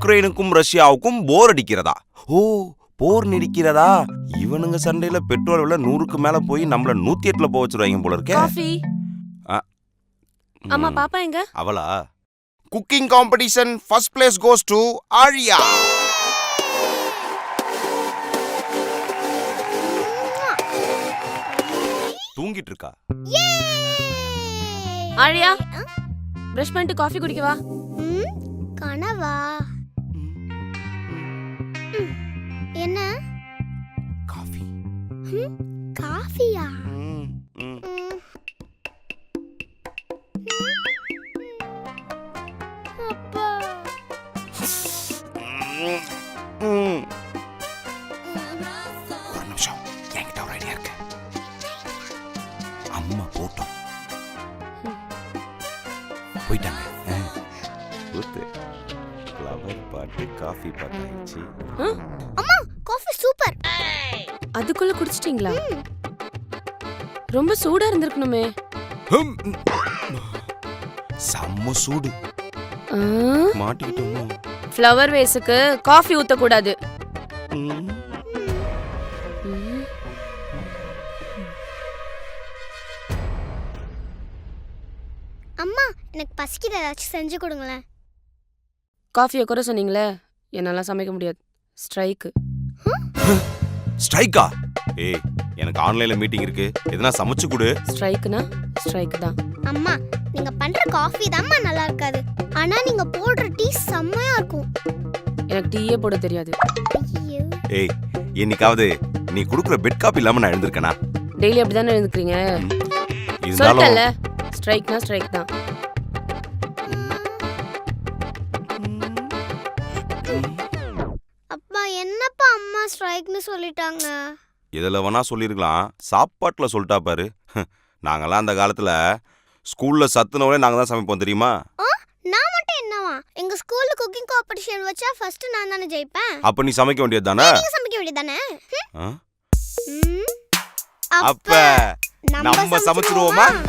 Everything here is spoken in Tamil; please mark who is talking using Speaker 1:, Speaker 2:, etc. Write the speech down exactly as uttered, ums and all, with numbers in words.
Speaker 1: உக்ரைனுக்கும் ரஷ்யாவுக்கும் போர் அடிக்கிறதா? ஓ, போர் நடிக்கிறதா? இவனுங்க சண்டையில பெட்ரோல் விலை நூறுக்கு மேல போய் நம்மள நூத்தி எட்டுல போக வச்சிருவாங்க போல இருக்கே.
Speaker 2: காஃபி. அம்மா பாப்பா எங்க?
Speaker 1: அவளா? Cooking competition first place goes to ஆழியா. தூங்கிட்டு இருக்கா.
Speaker 2: ஆழியா, பிரஷ் பண்ணிட்டு காஃபி குடிக்கவா?
Speaker 3: கனவா? என்ன?
Speaker 1: காஃபி.
Speaker 3: காஃபியா? அப்பா.
Speaker 1: ஒரு நிமிஷம், என்கிட்ட ஒரு ஐடியா இருக்கு. அம்மா போட்டோம் போயிட்டாங்க. ஃப்ளவர் பாட்டு காஃபி பாட்டு ஆயிடுச்சு.
Speaker 3: அம்மா காஃபி சூப்பர்.
Speaker 2: அதுக்குள்ள குடிச்சிட்டீங்களா? ரொம்ப சூடா இருந்திருக்கணுமே.
Speaker 1: செம்ம சூடு. மாட்டிக்கிட்டோமோ?
Speaker 2: ஃப்ளவர் வேஸுக்கு காஃபி ஊத்த கூடாது.
Speaker 3: அம்மா எனக்கு பசிக்குது, ஏதாச்சும் செஞ்சு கொடுங்களேன்.
Speaker 2: காஃபியை குறை சொன்னீங்களே, என்னால சமைக்க முடியாது. ஸ்ட்ரைக்கு.
Speaker 1: ஸ்ட்ரைக்கா? ஏய், எனக்கு ஆன்லைன்ல மீட்டிங் இருக்கு, எதனா சமைச்சு கொடு.
Speaker 2: ஸ்ட்ரைக்னா ஸ்ட்ரைக் தான்.
Speaker 3: அம்மா நீங்க பண்ற காஃபி தான்மா நல்லா இருக்காது, ஆனா நீங்க போடுற டீ செம்மையா இருக்கும்.
Speaker 2: எனக்கு டீயே போட தெரியாது.
Speaker 1: ஏய், என்னைக்காவது நீ குடுக்குற பெட் காபி இல்லாம நான் எழுந்திருக்கேனா?
Speaker 2: டெய்லி அப்படிதானே எழுந்துக்கிறீங்க.
Speaker 1: இருந்தாலும்
Speaker 2: சொல்லல, ஸ்ட்ரைக்னா ஸ்ட்ரைக் தான்.
Speaker 3: அப்பா என்னப்பா அம்மா ஸ்ட்ரைக்னு சொல்லிட்டாங்க?
Speaker 1: எதுல வேணா சொல்லிருக்கலாம், சாப்பாட்டுல சொல்லிட்டா பாரு. நாங்கெல்லாம் அந்த காலத்துல ஸ்கூல்ல சத்துணவுலே நாங்க தான் சமைப்போம் தெரியுமா?
Speaker 3: நான் மட்டும் என்னவா? எங்க ஸ்கூல்ல குக்கிங் காம்படிஷன் வச்சா ஃபர்ஸ்ட் நான் தானே ஜெயிப்பேன்.
Speaker 1: அப்ப நீ சமைக்க வேண்டியது தானே?
Speaker 3: நீங்க சமைக்க வேண்டியது தானே?
Speaker 1: அப்ப நம்ம சமைச்சிருவோமா?